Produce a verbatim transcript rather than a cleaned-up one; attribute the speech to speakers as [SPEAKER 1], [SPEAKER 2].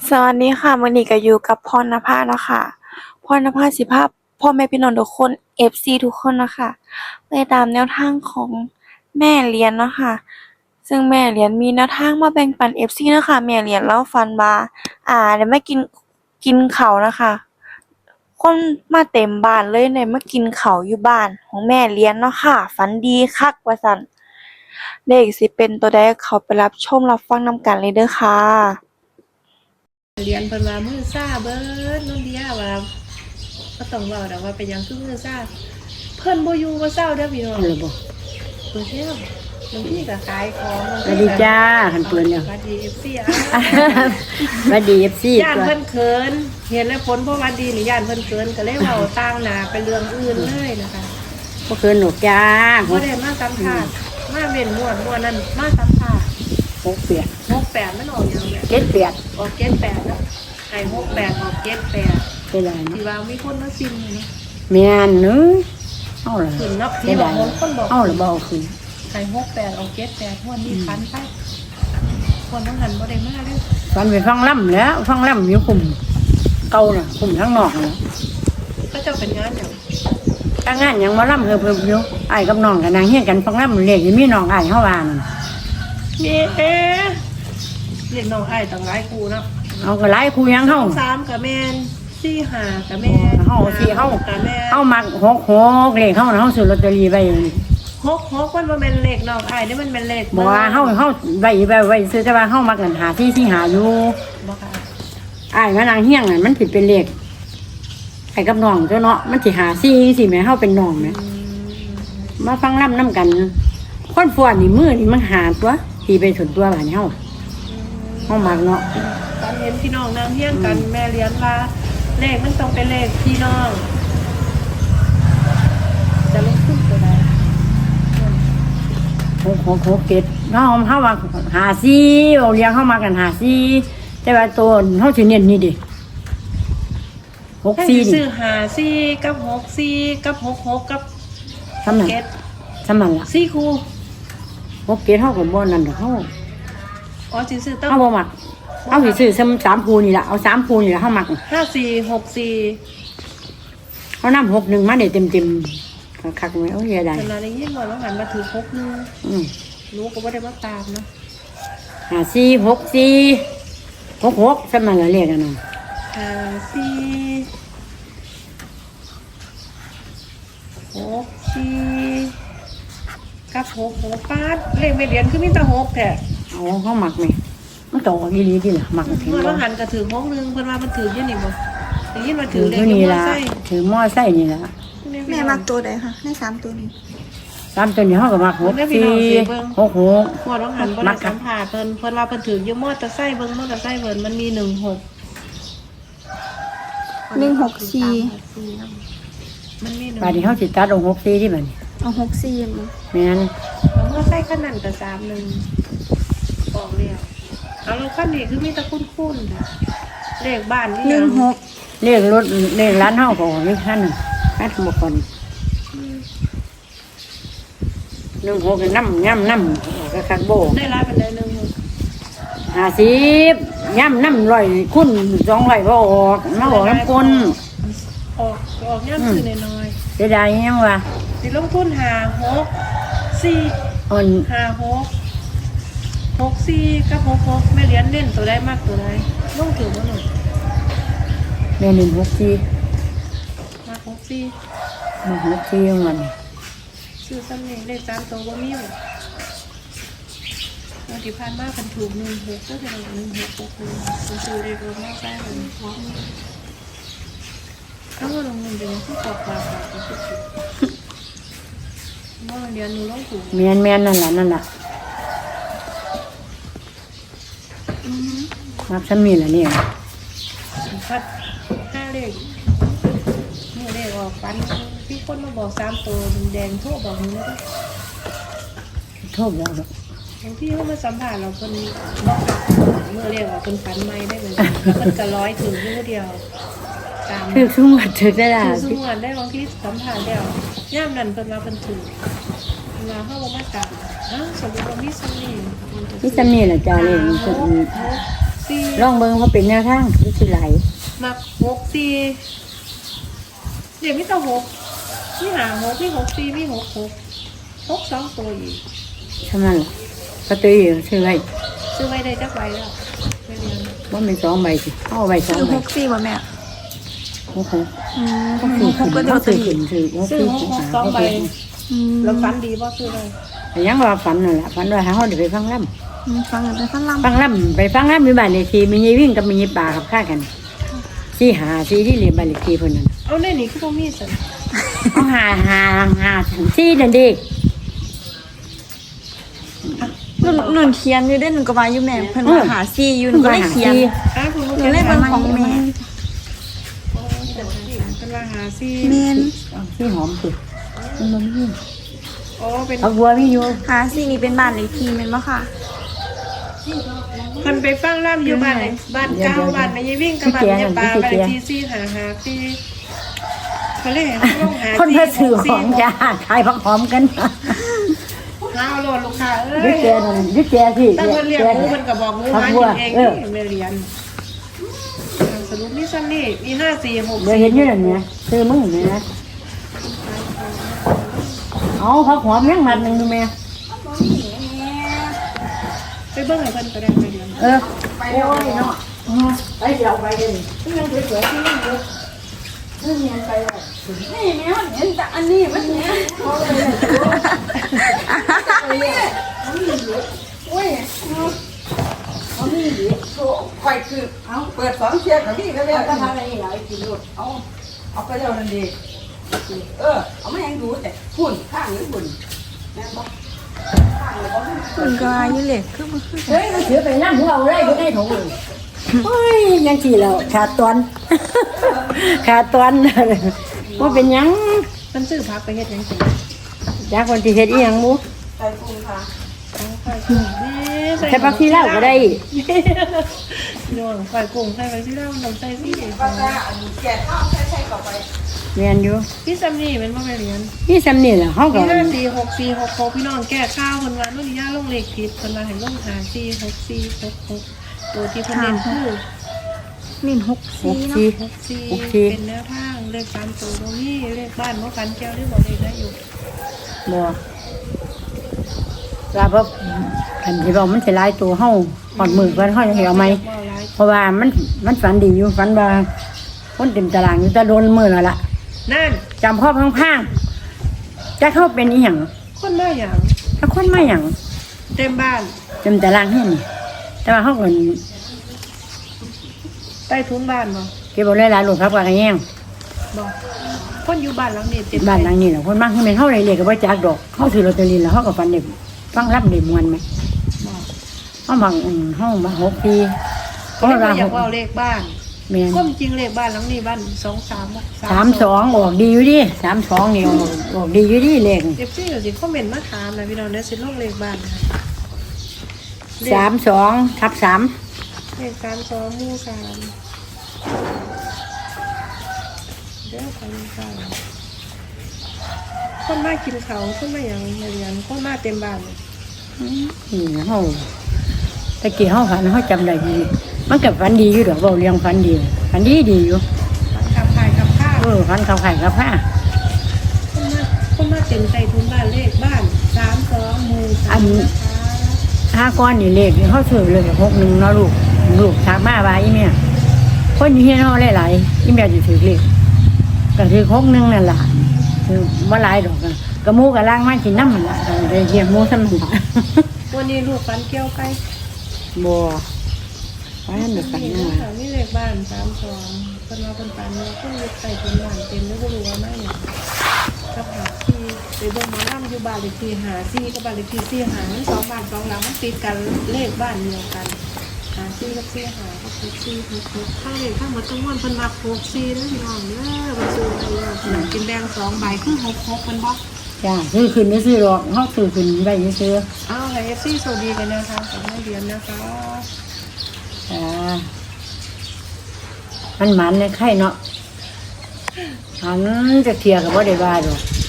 [SPEAKER 1] สวัสดีค่ะมื้อนี้ก็อยู่กับพรณภาเนาะค่ะพรณภาสิพาพ่อแม่พี่น้องทุกคน เอฟ ซี ทุกคนเนาะค่ะไปตามแนวทางของแม่เหรียญเนาะค่ะซึ่งแม่เหรียญมีแนวทางมาแบ่งปัน เอฟ ซี เนาะค่ะแม่เหรียญเลาฝันว่าอ่าได้มากินกินข้าวนะคะ คนมาเต็มบ้านเลยได้มากินข้าวอยู่บ้านของแม่เหรียญเนาะค่ะฝันดีคักว่าซั้นเลขสิเป็นตัวใดเข้าไปรับชมรับฟังนำกันเลยเด้อค่ะ
[SPEAKER 2] เรียนเพิ่นว่ามือซ่าเบิดน้องเดียว่าบ่ต้องเว้าดอกว่าเป็นหยังคือมือซ่าเพิ่นบ่อยู่บ่เซาเด้อพี่น้อง
[SPEAKER 3] เลยบอก
[SPEAKER 2] เพิ่นเที่ยวบางทีก็ขายของบาง
[SPEAKER 3] สวัส
[SPEAKER 2] ที
[SPEAKER 3] ดี
[SPEAKER 2] ก็
[SPEAKER 3] จ้าหันเปืนเนี่ย
[SPEAKER 2] สวัสดี เอฟ ซี อ่ะ
[SPEAKER 3] สวัสดีเอฟซี
[SPEAKER 2] ย่าน
[SPEAKER 3] ตัว
[SPEAKER 2] เพิ่นเขินเห็นแล้วผลบ่หวัดดีนี่ย่านเพิ่นเขินก็เลยเว้าต่างหน้าไปเรื่องอื่นเลยนะคะ
[SPEAKER 3] ก็คือหนูจ้า
[SPEAKER 2] บ่ได้มาสัมภาษณ์มาเว้นม่วนม่วนนั้นมาสัมภาษณ์
[SPEAKER 3] หกเปียก
[SPEAKER 2] หกแปดมันออกหยังเนี่ย
[SPEAKER 3] เจ็ดเปียก
[SPEAKER 2] ออกเจ็ดแปดเนาะให้หกแปดออกเจ็ดแปด
[SPEAKER 3] เป็นไร
[SPEAKER 2] ที่
[SPEAKER 3] เนาะ
[SPEAKER 2] ว่ามีคนมาซิมนี่เนาะ
[SPEAKER 3] เมียนเนื้อเอาละ
[SPEAKER 2] ขึ้นเนาะ
[SPEAKER 3] เป็
[SPEAKER 2] ที่
[SPEAKER 3] น
[SPEAKER 2] บ
[SPEAKER 3] ไร
[SPEAKER 2] อกคนคนบอก
[SPEAKER 3] เอาละบ่เอาขึ้น
[SPEAKER 2] ไข่หกแปดเอาเจ็ดแปดวันนี้พันไปคนต้องหันบ่ได้มาเลย
[SPEAKER 3] ตอนไปฟังล่ำแล้วฟังล่ำอยู่กลุ่มเก่าน่ะกลุ่มทั้งนอกน่ะ
[SPEAKER 2] ก็จะเป็นงานอย่าง
[SPEAKER 3] ถ้างานยังมาล่ำเพิ่มๆอยู่ไอ้กับน้องกับนางเฮียกันฟังล่ำเรียกมีน้องไอ้เฮาว่านั่น
[SPEAKER 2] มีเอ๊ะเรียกน้องไอ้ต่างหลายครูเนาะ
[SPEAKER 3] เอาก็หลายคู่ยังเฮา
[SPEAKER 2] สามกับแมนสี่ห้ากับแมน
[SPEAKER 3] เฮาสิเฮา
[SPEAKER 2] กับแมน
[SPEAKER 3] เฮามักหกหกเลขเฮาน่ะเฮาซื้อลอตเตอรี่ไว้
[SPEAKER 2] หกหกมันมันเป็นเลขน้องไอ้นี่มันเป็นเลข
[SPEAKER 3] บอกว่าเฮาเฮาไว้ไว้ไว้ซื้อแต่ว่าเฮามักกันหาที่ที่หาอยู่
[SPEAKER 2] บ่ค่ะ
[SPEAKER 3] อ้ายมานางเฮี้ยงน่ะมันสิเป็นเลขไอ้กับน้องเจ้าเนาะมันสิหาซี่สิแม่เฮาเป็นน้องแม่มาฟังล่ำน้ำกันคนฟ้อนนี่มือนี่มันหาตัวตีไปถึงตัวบ้านเฮาเฮามักเนาะ
[SPEAKER 2] ตอนเห็นพี่น้องนางเฮี้ยงกันแม่เลี้ยงว่าเลขมันต้องเป็นเลขพี่น้องจะลงทุนตัวใด
[SPEAKER 3] โหโหโหเกตเฮาเฮาว่าหาซี่เอาเลี้ยงเฮามากันหาซี่แต่ว่าตัวเฮาสิเน้นนี่ดิหก
[SPEAKER 2] ให้
[SPEAKER 3] ซี่
[SPEAKER 2] ซื้
[SPEAKER 3] นี่
[SPEAKER 2] อหาซี่กับหกซี่กับหกหกกับ
[SPEAKER 3] สำนั้น
[SPEAKER 2] เก็ด
[SPEAKER 3] สำนั้นล่ะ
[SPEAKER 2] ซี่ครู
[SPEAKER 3] หกเกตเฮาก็บ่นั่นดอกเฮา
[SPEAKER 2] อ๋อสิซื้อตั้ง
[SPEAKER 3] เฮาบ่มักเฮาสิซื้อซ้ำสามภูนี่ล่ะเอาสามภูนี่ล่ะเฮามัก
[SPEAKER 2] ห้าสี่หกสี่
[SPEAKER 3] เขานำหกหนึ่งมาเดี๋ยวเต็มเต็มๆคักๆไหมโอ้ยได้
[SPEAKER 2] เวลาได้ยินว่าเราหันมาถือหกหนึง
[SPEAKER 3] อืม
[SPEAKER 2] รู้ก็ว่าได้มาตามเนาะ
[SPEAKER 3] หาสี่หกสี่หกหกสมัยละเรียกกันเนาะ
[SPEAKER 2] ห้าสี่หกสี่กับหกหกป้าดเลขไม่เรียนคือมีแต่หกแท้
[SPEAKER 3] เอาเขาหมักไหมมันโตอีหลีดีล่ะหมักเพียง
[SPEAKER 2] เมื่อ
[SPEAKER 3] บ่
[SPEAKER 2] เราหันก็ถือหกหนึงเพิ่นว่ามันถืออยี่นี่บ่ได้ยินว่าถื
[SPEAKER 3] ถื
[SPEAKER 2] อ
[SPEAKER 3] อ
[SPEAKER 2] เลข
[SPEAKER 3] ตัว
[SPEAKER 2] อ
[SPEAKER 3] นี้
[SPEAKER 2] ยู่มอ
[SPEAKER 3] ละ
[SPEAKER 2] ไซค์
[SPEAKER 3] ถือหม้อไส้นี่ละ
[SPEAKER 1] แม่มักตัวใดคะในสามตัวนี้
[SPEAKER 3] ตามตัวนี้เขาก็หมักหกสี่หกหก
[SPEAKER 2] พวกเราหันบ่ได้สัมภาษณ์เพิ่นเพิ่นว่าเพิ่นถืออยู่มอเตอร์ไซค์เบิ่งมอเตอร์ไซค์เพิ่นมันมีหนึ่งหก
[SPEAKER 1] หนึ่งหกสี่
[SPEAKER 2] มันมีหนึ่ง
[SPEAKER 3] ป่านนี้เขาสิตัดเอาหกสี่ที่มัน
[SPEAKER 1] เอาหกสี่มา
[SPEAKER 3] แม่น
[SPEAKER 2] เมื่อไส้ขั้นนั้นกับสามหนึ่งออกเรียวเอาเราขั้นนี้คือมีแตะคุ้นคุ้นๆเลขบ้านนี่
[SPEAKER 1] หนึ่งหก
[SPEAKER 3] เรียกรถเรียกร้านเฮาก็ออกนี่ท่านนึงให้ทั้งหมดก่อนหนึ่งหกน้ำย่ำน้ำก็คักโบ
[SPEAKER 2] ได้รับเป็นได้หนึ่งหก
[SPEAKER 3] ห้าสิบย่ำน้ำร้อยคุณสองร้อยบ่ออกมาออกน้ำก้น
[SPEAKER 2] ออกออกย่ำซื้อน้อย
[SPEAKER 3] เสียดายยังวะ
[SPEAKER 2] ๆสิลงทุนหาหกสี่
[SPEAKER 3] อ่อน
[SPEAKER 2] หาหกหกสี่กับหกหกแม่เลี้ยนเล่นตัวได้มากตัวได้ลงถือว่าหนึ่ง
[SPEAKER 3] แม่หนึ่งหกสี่
[SPEAKER 2] มาหกสี่
[SPEAKER 3] มาหกสี่ของมัน
[SPEAKER 2] ซื้อซ้ำนี่เลขสามตัวว่ามีอยู่วันที่ผ่านมาเป็นถูกหนึ่งหกก็จะหนึ่งหกหกหนึ่งซื้อเลขรถมอไซค์เลยถ้าว่าลงเงินเป็นที่ตกปลาปลาก็สุดๆเมื่อเดือนหนูต้องถูก
[SPEAKER 3] แม่นแม่นนั่นแหละนั่นแหละนับซ้ำมีละเนี่ย
[SPEAKER 2] พัดห้าเลขเมื่อเลขออกปันพี่คนมาบอกสามตัวแดงทั่วบอกหนูเลย
[SPEAKER 3] โทษแล้วดอก
[SPEAKER 2] บางที่เขามาสัมผัสเราคนบอกเมื่อเลขออกคนฝันไม่ได้เลยมันจะร้อยถึงยูเดียวตาม
[SPEAKER 3] คือสุ่มวัดถึกได้ละ
[SPEAKER 2] ถือสมวนได้บางที่สัมผัสแล้วย่ามนั่นเป็นมาเป็นถือมาเข้ามาตามอ้าวสมมติว่ามีสมี
[SPEAKER 3] นี่ซ้ำนี่แหละจ้าเลย
[SPEAKER 2] ห
[SPEAKER 3] มัน
[SPEAKER 2] ก
[SPEAKER 3] ก็
[SPEAKER 2] หกสสี่
[SPEAKER 3] ลองเบิ่งว่าเป็นแนวทางที่สิไหล
[SPEAKER 2] มักหกสี่เดี๋ยวมีแต่หกมีหาหกมีหกสี่มีหกหกหกสองตัวอีก
[SPEAKER 3] เท่านั้นล่ะก็ตัวอยู่ซื้อไว้
[SPEAKER 2] ซื้อไว้ได้จักใบแล้วไม่เรียน
[SPEAKER 3] ว่าเป็นสองใบสิเอาใบสอง
[SPEAKER 1] ซื้อ
[SPEAKER 3] ใบ
[SPEAKER 1] หกสี่บ่แม่
[SPEAKER 3] โอ้โห
[SPEAKER 1] อืม
[SPEAKER 3] ก็
[SPEAKER 1] ห
[SPEAKER 3] คือก
[SPEAKER 1] หกก็
[SPEAKER 3] ขึ้น
[SPEAKER 1] เดียว
[SPEAKER 3] ก็
[SPEAKER 1] ตั
[SPEAKER 3] คื
[SPEAKER 1] ว
[SPEAKER 3] อ
[SPEAKER 1] อี
[SPEAKER 3] ขึ้
[SPEAKER 1] ก
[SPEAKER 3] นคือว่า
[SPEAKER 2] ซื้อ
[SPEAKER 3] คือ
[SPEAKER 2] หก
[SPEAKER 3] ขึ้น
[SPEAKER 2] หกสองใบ
[SPEAKER 1] อืม
[SPEAKER 2] แล้วฝันดีบ่ซื้อเลย
[SPEAKER 3] แต่ยังว่าฝันนั่นแหละฝันว่าหาเฮาได้ไปฟังล่ำ
[SPEAKER 1] อืมฟังกันไปฟังลำ
[SPEAKER 3] ฟังล่ำไปฟังล่ำมีบ้านเลขที่มียายวิ่งกับมียายป่ากับข้ากันสี่หาสี่ที่เรียนบ้านเลขที่เพิ่นนั่น
[SPEAKER 2] เอาในนี้คือบ่มีสัน
[SPEAKER 3] เอาหาหาหาสี่นั่นเด็ก
[SPEAKER 1] หนูหนูเขียนอยู่ได้หนูก็ว่าอยู่แม่เพิ่นว่าหาซี่อยู่หนูก็เลยเขียน
[SPEAKER 2] อ้าวคุณผู้
[SPEAKER 1] ห
[SPEAKER 2] ช
[SPEAKER 1] นู
[SPEAKER 2] ม
[SPEAKER 1] เลยเบิ่งของแม่
[SPEAKER 2] เป็นว่าหาซี่
[SPEAKER 1] แม่น
[SPEAKER 3] สี่หอมสุดมันบ่มี
[SPEAKER 2] โอ้เป็น
[SPEAKER 3] เอาบัวมีอยู่
[SPEAKER 1] หาซี่นี่เป็นบ้านเลขที่แม่นบ่ค่ะ
[SPEAKER 2] คนไปฟังร่ำอยู่บ้านไหนบ้านเก้าบ้านไม่ยวิ่งกับบ้านไม่ยปลาบ้านที่ซี่หาหาที่เขาเรียกลงหา
[SPEAKER 3] คนมาซื้อของจ้าขายผักหอมกัน
[SPEAKER 2] ข้าวโลดลูกค้าเอ้
[SPEAKER 3] ยึด
[SPEAKER 2] ย
[SPEAKER 3] แกนั่นยึดแกสิ
[SPEAKER 2] ตั้งคนเรียกมูมันกับบอกมูมาอยู่เองนี่ไม่เรียนสรุปนี่ซ้ำนี่มีห้าสี่หก
[SPEAKER 3] เดี๋ยวเห็นอยู่นั่นเนี่ยซื้อมึงนี่นะเอาผักหอมยังมัดหนึงดูแม่
[SPEAKER 2] ไปเบิ้งให้เพิ่นก็ได้ไม่เรียน
[SPEAKER 3] เออโอ้ยเนาะไปเดี๋ยวไปเลยยังสวยๆที่ยังเยอะนี่เนียนไปเลยนี่แม่เห็นแต่อันนี้มันเนี่ยเอาเลยโอ้ยเอานี่ดิ
[SPEAKER 4] ไข่คือเอาเปิดสองเชียร์กับพี่ก็เรีย
[SPEAKER 3] เอา
[SPEAKER 4] ก
[SPEAKER 3] ก็ทำอะไรหลายกิโล
[SPEAKER 4] เอาเอาไปเร็วนั่นดีเออเอาไม่ยังดูแต่หุ่นข้างหรือหุ่นแม่บอกข้างหรือบอก
[SPEAKER 1] เพิ่นก็ว่าอยู่เลยคือบ่คือ
[SPEAKER 3] เฮ้ยมันถือไปนั่งหัวเอาเลยอยู่ในถุงเลยเฮ้ยยังขี่แล้วขาดตอน ขาดตอนว่าเป็นหยัง
[SPEAKER 2] มันซื้อพักไปเฮ็ดยังไง
[SPEAKER 3] จากคนที่เฮ็ดอีหยังบุ
[SPEAKER 4] ใส่กุ้งค่ะ
[SPEAKER 3] ใช้ปักที่เล่าก็ได้
[SPEAKER 2] โยนไฟกุ้งใส่ไปที่เล่าน้ำใส่พี่
[SPEAKER 4] ปลาจ้าอันแก่ข้าวใส่ใส่เข้าไป
[SPEAKER 3] เรียนอยู่
[SPEAKER 2] พี่ซัมนี่เป็นว่าไม่เรียน
[SPEAKER 3] นี่สำนี่แหละเฮาก็
[SPEAKER 2] มีห้าสี่หกสี่หกหกพี่น้องแก้ข้าวคนวันนุ่นย่าลงเลขผิดคนมาเห็นลงหาสี่หกสี่หกหกตัวที่เพิ่นเน้นคือ
[SPEAKER 1] นี่หก
[SPEAKER 3] ห
[SPEAKER 1] ซี่
[SPEAKER 3] ก
[SPEAKER 1] เนาะ
[SPEAKER 3] สี่
[SPEAKER 2] หกสี่เป็นแนวทางเลขสามตัวตรงนี้เลขบ้านว่ากันแก้วหรือบอกเลขได้อยู่
[SPEAKER 3] บ่ลาบ่คันที่ว่ามันสิหลายตัวเฮาฮอดมือเพิ่นเฮาจะเอาไหม
[SPEAKER 2] ว่าหลาย
[SPEAKER 3] เพราะว่ามันมันฝันดีอยู่ฝันว่าคนเต็มตารางอยู่แต่โดนมือแล้วล่ะ
[SPEAKER 2] นั่น
[SPEAKER 3] จำพ่อพังๆจะเข้าเป็นอีหยัง
[SPEAKER 2] คนมาอย่าง
[SPEAKER 3] ถ้าคนมาหยัง
[SPEAKER 2] เต็มบ้าน
[SPEAKER 3] เต็มตารางเฮ็ดนี่แต่ว่าเฮาก็
[SPEAKER 2] ใต้ทุนบ้านบ่
[SPEAKER 3] เก็บเอาหลายๆลูกครับว่ากันแย่ง
[SPEAKER 2] บอกคนอยู่บ้านหลังนี้เต็ม
[SPEAKER 3] บ้านหลังนี้แหละคนมากคือแม่นเฮาได้เลขก็บ่จักดอกเฮาซื้อลอตเตอรี่แล้วเฮาก็ฝันได้ฟังรับได้ม่วนไหมเฮาบางอืมเฮามาหกปี
[SPEAKER 2] ก็ไม่อยากว่าเลขบ้าน
[SPEAKER 3] แม่น
[SPEAKER 2] ก็จริงเลขบ้านหลังนี้บ้านสองสาม
[SPEAKER 3] สามสองออกดีอยู่ดิสามสองนี่ออกออกดีอยู่ดิเลข
[SPEAKER 2] เอฟซีเดี๋ยวสิคอมเมนต์มาถามนะพี่น้องเดี๋ยวสิลงเลขบ้านนะเลข
[SPEAKER 3] สามสองทับสาม
[SPEAKER 2] เลขสามสองหมู่สามเดี๋ยวไปเลขบ้านคนมากินเขาวคนมาอย่างเรียนคนมาเต็มบ้าน
[SPEAKER 3] นี่เฮาตะกี้เฮาฝันเฮาจำได้ดีมันก็ฝันดีอยู่ดอกเว้าเรื่องฝันดีฝันดีดีอยู่
[SPEAKER 2] ขับถ่ายขับข้าว
[SPEAKER 3] เออฝันเข้าไข่กับผ้า
[SPEAKER 2] คนมาคนมาเต็มใจทุนบ้านเลขบ้านสามสองหมู่สามนะคะ
[SPEAKER 3] ห้าก้อนนี่เลขนี่เฮาซื้อเลยหกหนึ่งเนาะลูกลูกถามมาว่าอีแม่คนอยู่เฮียนเฮาหลายๆอีแม่สิถือเลขก็ถือหกหนึ่งนั่นล่ะคือบ่หลายดอกอะกระมูกระล่างมากินน้ำมันล่ะก็ได้เรียกหมูซ้ำนั่นล่ะ
[SPEAKER 2] วันนี้ลูกฟันเกี้ยวไป
[SPEAKER 3] บ่ว่าอันนี้กัน
[SPEAKER 2] นี่
[SPEAKER 3] นะ
[SPEAKER 2] นะคะนี่เลขบ้านสามสองคนมาคนปันเราคนยึดใส่ทุนบ้านเต็มแล้วก็รู้ว่าไม่อย่างกับหาที่ไปเบิ่งหมอลำอยู่บ้านเลขที่หาซี่กับบ้านเลขที่ซี่หามันสองบ้านสองหลังมันติดกันเลขบ้านเดียวกันหาซี่กับซี่หาก็คือซี่หกหกข้างเลขข้างหมดทั้งมวลเพิ่นมาหกซี่แล้วพี่น้องเด้อมาซื้อไปแล้วหนังกินแดงสองใบคือหกหกมันบ่
[SPEAKER 3] จ้าซื้อขึ้นไม่ซื้อหรอกเฮาซื้อขึ้นไว้ซื้อ
[SPEAKER 2] อ้าวให้เอฟซีสวัสดีกันนะคะกับแม่เรียนนะคะ
[SPEAKER 3] อ่ามันหมันในไข่เนาะอันจะเทียกับบ่ได้ว่าดอก